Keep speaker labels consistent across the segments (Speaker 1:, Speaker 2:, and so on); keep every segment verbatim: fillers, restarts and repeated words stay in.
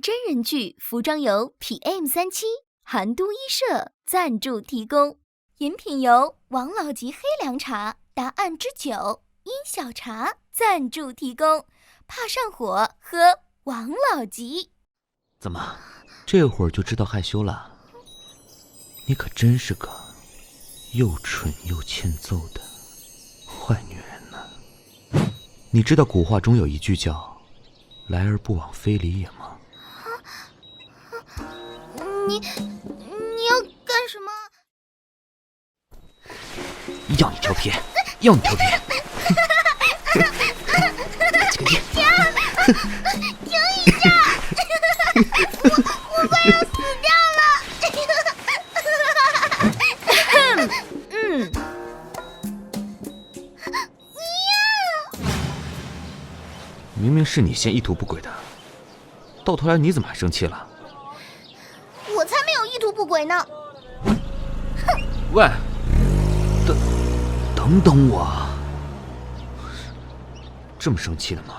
Speaker 1: 真人剧服装由 P M 三七 韩都衣舍赞助提供，饮品由王老吉黑凉茶、答案之酒、茵小茶赞助提供。怕上火，喝王老吉。
Speaker 2: 怎么，这会儿就知道害羞了？你可真是个又蠢又欠揍的坏女人呢。你知道古话中有一句叫“来而不往非礼也”吗？
Speaker 3: 你你要干什么？
Speaker 2: 要你条皮，要你条皮！这个你，
Speaker 3: 停一下！我我快要死掉了！
Speaker 1: 嗯，
Speaker 2: 明明是你先意图不轨的，到头来你怎么还生气了？
Speaker 3: 我才没有意图不轨呢！
Speaker 2: 喂，等等等我，这么生气的吗？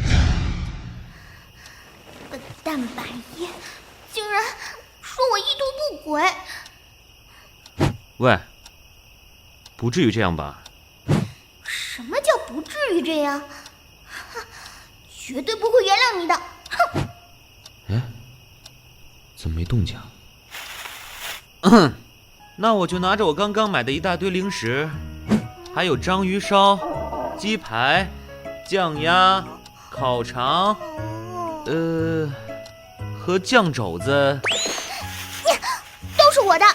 Speaker 3: 笨蛋白夜，竟然说我意图不轨！
Speaker 2: 喂，不至于这样吧？
Speaker 3: 什么叫不至于这样？绝对不会原谅你的！哼！
Speaker 2: 哎，怎么没动静？嗯，那我就拿着我刚刚买的一大堆零食，还有章鱼烧、鸡排、酱鸭、烤肠，呃，和酱肘子，
Speaker 3: 都是我的。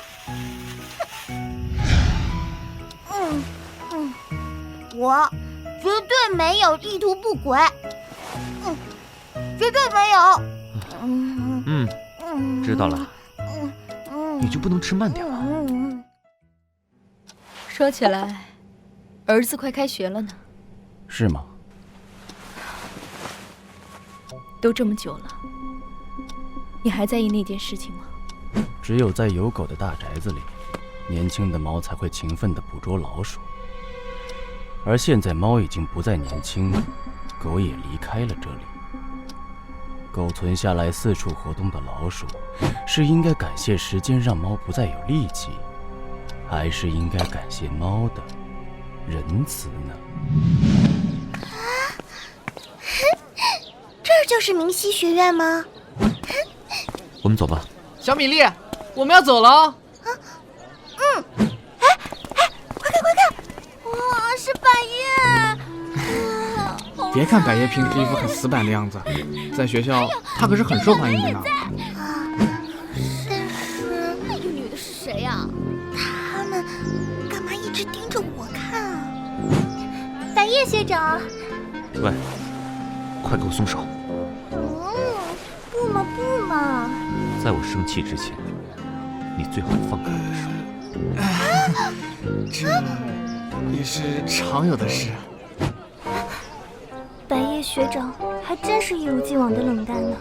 Speaker 3: 嗯嗯，我绝对没有意图不轨。嗯，绝对没有。
Speaker 2: 嗯嗯，知道了。
Speaker 3: 嗯嗯，
Speaker 2: 你就不能吃慢点吗？
Speaker 3: 嗯，
Speaker 1: 说起来，儿子快开学了呢。
Speaker 4: 是吗？
Speaker 1: 都这么久了，你还在意那件事情吗？
Speaker 4: 只有在有狗的大宅子里，年轻的猫才会勤奋地捕捉老鼠。而现在猫已经不再年轻，狗也离开了这里。狗存下来四处活动的老鼠，是应该感谢时间让猫不再有力气，还是应该感谢猫的仁慈呢？
Speaker 3: 这就是明熙学院吗？
Speaker 2: 我们走吧。
Speaker 5: 小米粒，我们要走了哦。
Speaker 3: 嗯，哎哎，快看快看，哇，是百叶！
Speaker 5: 别看百叶平时一副很死板的样子，在学校她可是很受欢迎的呢。
Speaker 3: 啊，但是
Speaker 1: 那个女的是谁呀？
Speaker 3: 他们干嘛一直盯着我看啊？百叶学长。
Speaker 2: 喂，快给我松手！
Speaker 3: 嗯，不嘛不嘛。
Speaker 2: 在我生气之前，你最好放开我的手。
Speaker 5: 这也是常有的事。
Speaker 3: 百叶学长还真是一如既往的冷淡呢。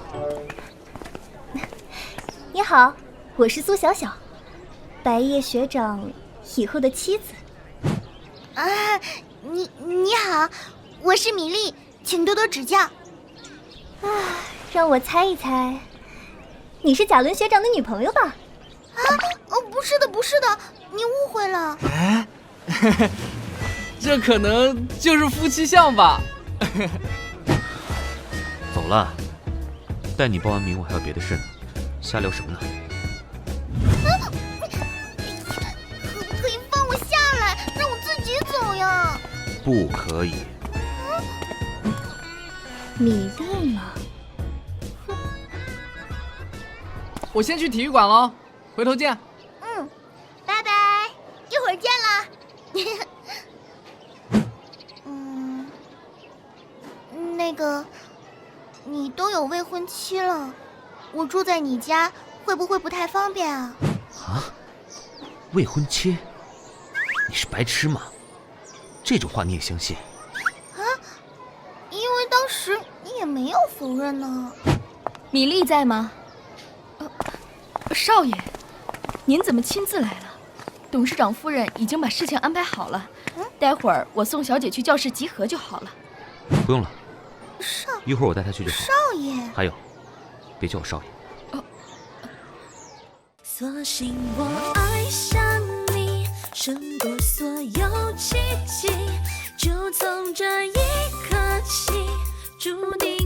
Speaker 3: 你好，我是苏小小，百叶学长以后的妻子。啊，你你好，我是米粒，请多多指教。啊，让我猜一猜，你是贾伦学长的女朋友吧？啊，哦，不是的，不是的，你误会了。
Speaker 5: 哎，这可能就是夫妻相吧。
Speaker 2: 走了，带你报完名我还有别的事呢，瞎聊什么呢？
Speaker 3: 可不可以放我下来，让我自己走呀？
Speaker 2: 不可以。
Speaker 3: 米粒嘛，
Speaker 5: 我先去体育馆了，回头见。
Speaker 3: 嗯，拜拜，一会儿见了。嗯，那个，你都有未婚妻了，我住在你家会不会不太方便啊？
Speaker 2: 啊？未婚妻？你是白痴吗？这种话你也相信？
Speaker 3: 啊？因为当时你也没有否认呢。
Speaker 1: 米粒在吗？呃，少爷，您怎么亲自来了？董事长夫人已经把事情安排好了，
Speaker 3: 嗯，
Speaker 1: 待会儿我送小姐去教室集合就好了。
Speaker 2: 不用了，
Speaker 3: 少
Speaker 2: 一会儿我带她去就好。
Speaker 3: 少爷，
Speaker 2: 还有， 别叫我少爷。
Speaker 6: 哦。索性我爱上你，胜过所有奇迹，就从这一刻起，注定。